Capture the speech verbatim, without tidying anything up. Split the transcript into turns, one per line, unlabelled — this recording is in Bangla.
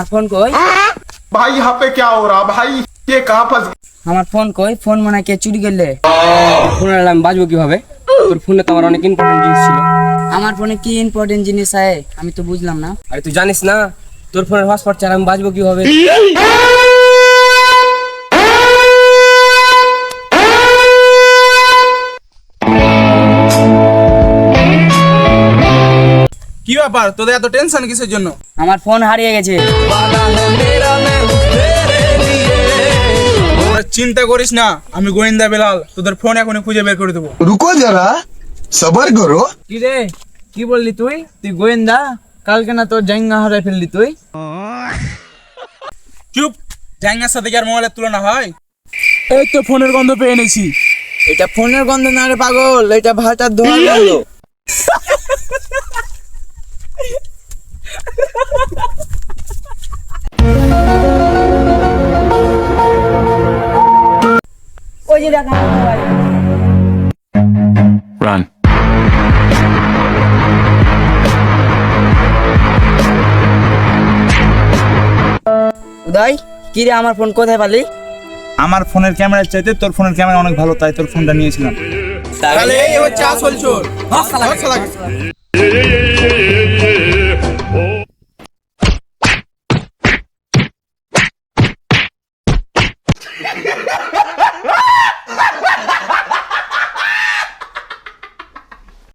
আর ফোন কই?
भाई यहाँ पे क्या हो रहा भाई, ये कहाँ फंस गए?
আমার ফোন কই? ফোন মনে হয় কে চুরি করলে।
ফোনে আমি বাজবো কিভাবে? তোর ফোনে তো আমার অনেক ইম্পর্টেন্ট জিনিস ছিল।
আমার ফোনে কি ইম্পর্টেন্ট জিনিস আছে আমি তো বুঝলাম না।
আরে তুই জানিস না তোর ফোনের হটস্পট ছাড়া আমি বাজবো কিভাবে?
কি ব্যাপার তোদের এত টেনশন কিসের জন্য?
আমার ফোন হারিয়ে গেছে।
তোরা চিন্তা করিস না, আমি গোয়েন্দা বেলাল তোদের ফোন এখনই খুঁজে বের করে দেবো।
रुको जरा सबर करो।
কি রে, কি বললি তুই? তুই গোয়েন্দা? কালকে না তোর জাঙ্গা হারাই ফেললি তুই?
চুপ, জাঙ্গার সাথে কি আর মোবাইলের তুলনা হয়? এই তো ফোনের গন্ধ পেয়ে এনেছি।
এটা ফোনের গন্ধ না রে পাগল, এটা ভাটার ধোঁয়ার গন্ধ।
ওই যে দেখা
Run.
উদয়, কি রে আমার ফোন কোথায় পালি?
আমার ফোনের ক্যামেরার চাইতে তোর ফোনের ক্যামেরা অনেক ভালো, তাই তোর ফোনটা নিয়েছিলাম। তাহলে এই হচ্ছে আসল চোর।